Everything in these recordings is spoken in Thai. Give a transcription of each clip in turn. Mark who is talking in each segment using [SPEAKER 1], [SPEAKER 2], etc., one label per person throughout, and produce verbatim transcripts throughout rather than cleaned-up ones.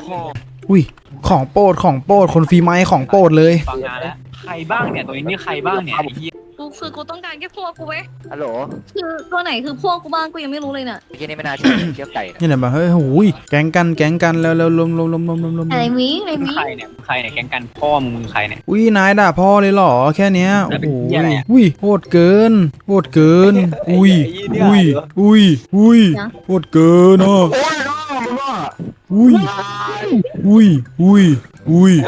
[SPEAKER 1] อุ้ยของโปรดของโปรดคนฟรีไม้ของโปรดเลย
[SPEAKER 2] ฟังงานแล้วใครบ้างเนี่ยตัวนี้นี่ใครบ้างเนี่ยไอ้เหี้ย
[SPEAKER 3] กูคือกูต้องการแค่พวกกูเว้ย
[SPEAKER 4] ฮัลโหล
[SPEAKER 3] คือตัวไหนคือพวกกูบ้างกูยังไม่รู้เลยเนี่ย
[SPEAKER 4] ไอ้เหี้ยนี่ไม่น่าเชื่อเทียบไก่นะ
[SPEAKER 1] นี่แหละแบบเฮ้ยโอ้ยแก๊งกันแก๊งกันแล้วแล้วลมลมลมลมลมลม
[SPEAKER 3] อะไรวิอะไร
[SPEAKER 2] มึง
[SPEAKER 3] วิ
[SPEAKER 2] ใครเนี่ยมึงใครเนี่ยแก๊งกันพ่อมึงมึงใครเนี่ย
[SPEAKER 1] อุ้ยนายด่าพ่อเลยเหรอแค่เนี้ย
[SPEAKER 2] แล้
[SPEAKER 1] โอ้
[SPEAKER 2] ว
[SPEAKER 1] โห
[SPEAKER 2] เป็นเหี้ยอะไรอะ
[SPEAKER 1] อุ้ยโหดเกินโหดเกินอุ้ยอุ้ยอุ้ยอุ้ยโหดเกินอ่ะ
[SPEAKER 4] โอ้ยน้องมึงว่า
[SPEAKER 1] อุ้ยอุ้ยอุ้ยอุ้ย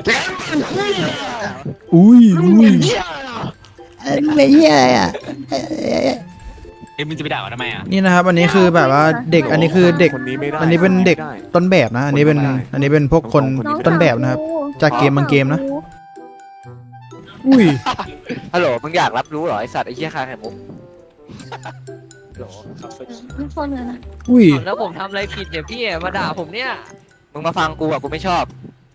[SPEAKER 1] อุ้ยอุ้ยไม่เหี้ยอ่ะ
[SPEAKER 2] เอ้ยมึงจะไปด่ามันทำไมอ่ะ
[SPEAKER 1] นี่นะครับอันนี้คือแบบว่าเด็กอันนี้คือเด็ก
[SPEAKER 5] คนนี้ไม่ได้
[SPEAKER 1] อันนี้เป็นเด็กต้นแบบนะ อันนี้เป็นอันนี้เป็นพวกคน
[SPEAKER 3] น้อง
[SPEAKER 1] ต้นแบบนะครับ
[SPEAKER 3] สาวกู
[SPEAKER 1] จากเกมบางเกมนะ อุ้ย
[SPEAKER 4] ฮัลโหลมึงอยากรับรู้เหรอไอสัตว์ไอเหี้ยคาไข่มุกฮัลโหล
[SPEAKER 3] ไม่คนเลยนะ
[SPEAKER 1] อุ้ย
[SPEAKER 6] แล้วผมทำอะไรผิดเนี่ยพี่มาด่าผมเนี่ย
[SPEAKER 4] มึงมาฟังกูอ่ะกูไม่ชอบ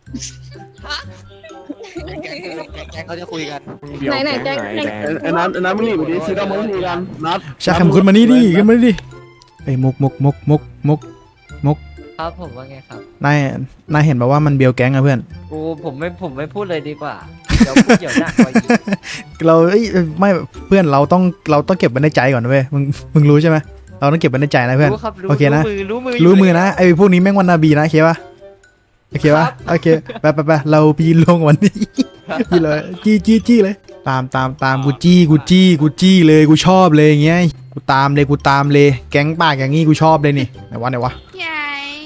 [SPEAKER 4] แก๊งแก๊งเขาจะคุยกัน
[SPEAKER 5] เดียว
[SPEAKER 3] ไหนไหน
[SPEAKER 5] แก๊ง
[SPEAKER 3] แก๊ง
[SPEAKER 5] ไหน
[SPEAKER 3] ไหน
[SPEAKER 5] แดงไอ้นัทไอ้นัทมึงหนีไปดิซื้อดาวมึงหนีกันนัท
[SPEAKER 1] ชาแคมขึ้นมานี่ดิขึ้นมานี่ดิไอ้ยมุกมุกมุกมุกมุกมุก
[SPEAKER 6] ครับผมว่าไงครับ
[SPEAKER 1] นายนายเห็นแบบว่ามันเบียวแก๊งอะเพื่อน
[SPEAKER 6] กูผมไม่ผมไม่พูดเลยดีกว่าเดี๋ยวพูดเดี๋ยวหนักกว่าอีก
[SPEAKER 1] เราเอ้ยไม่เพื่อนเราต้องเราต้องเก็บไว้ในใจก่อนนะเว้ยมึงมึงรู้ใช่ไหมเราต้องเก็บไว้ในใจนะเพื่อน
[SPEAKER 6] รู้ครับรู้
[SPEAKER 1] โอเคนะ
[SPEAKER 6] รู้มือรู้มือ
[SPEAKER 1] รู้มือ
[SPEAKER 6] อยู่
[SPEAKER 1] นะไอ้พวกนี้แม่งวันนาบีนะโอเคปะโอเคปะโอเคไปไปไปเราไปยืนลงวันนี้ จี้เลยจี้จี้จี้เลย ตามตามตามกูจี้กูจี้กูจี้เลยกูชอบเลยอย่างเงี้ยกูตามเลยกูตามเลยแก๊งปากอย่างงี้กูชอบเลยนี่ไหนวะไหนวะ
[SPEAKER 3] ใหญ่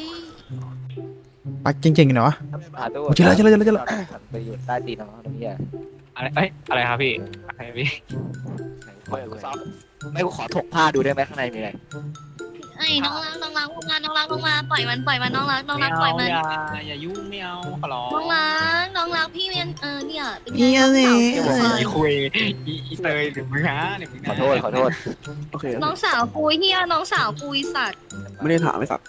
[SPEAKER 1] ปากเจ๋งๆไหนวะ
[SPEAKER 4] หาตัว
[SPEAKER 1] โอ้เจอแล้วเจอแล้วเจอแล้วเจอแล้ว
[SPEAKER 4] ไปอยู่ใต้ตีนน้องไอ้เหี้ย
[SPEAKER 2] อะไรเอ้ยอะไรครับพี่อะไรพี่
[SPEAKER 4] ไหนกูขอดูหน่อยไม่กูขอถกผ้าดูได้ไหมข้างในมีอะไร
[SPEAKER 3] ไอ้น้องรักน้องรักลงมาน้องรักลงมาปล่อยมันปล่อยมันน้องรักน้อง
[SPEAKER 2] ไม่
[SPEAKER 3] รักปล่อย
[SPEAKER 2] เอา
[SPEAKER 3] มัน
[SPEAKER 2] อย่าอย่ายุ่งไม่เอาขอร้อง
[SPEAKER 3] น้องรักน้องรักพี่เมียนเออเนี่ยเป็นไง
[SPEAKER 1] เมียนี่
[SPEAKER 3] น้องสาว
[SPEAKER 2] อี
[SPEAKER 3] กู
[SPEAKER 2] คุยอีอีเตยหรือมึงฮะหรือมึง
[SPEAKER 4] ขอโทษขอโทษ
[SPEAKER 5] โอเค
[SPEAKER 3] น้องสาวกูเฮียน้องสาวกูอีสัตว์
[SPEAKER 5] ไม่ได้ถามไอ้สัตว์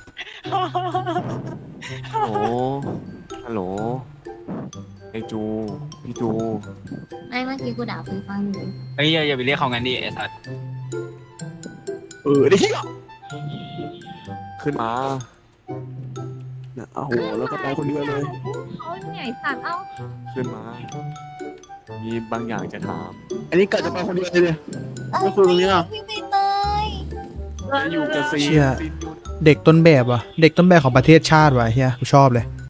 [SPEAKER 5] โอ้ฮัลโหลไอจูพี่จู
[SPEAKER 3] ไม่เมื่อกี้กูด่าฟรีฟังอยู่
[SPEAKER 2] เฮ้ยอย่าอย่าไปเรียกเขางั้นดิไอ้สัตว์
[SPEAKER 5] เออได้ที่ขึ้นมาเนี่ยโอ้โหแล้วก็ไปคนเดียวเลย
[SPEAKER 3] เขาเนี่ยไอ้สัตว์เอ้า
[SPEAKER 5] ขึ้นมา มีบางอย่างจะถาม อันนี้กะจะไปคนเดียวเลยไม่คุยตรงนี้อ่ะ
[SPEAKER 3] พี่ไปเตย
[SPEAKER 5] จะอยู่กับซี
[SPEAKER 1] เชี่ย
[SPEAKER 5] ซีนอยู่
[SPEAKER 1] เด็กต้นแบบว่ะเด็กต้นแบบของประเทศชาติว่ะเฮียกูชอบเลย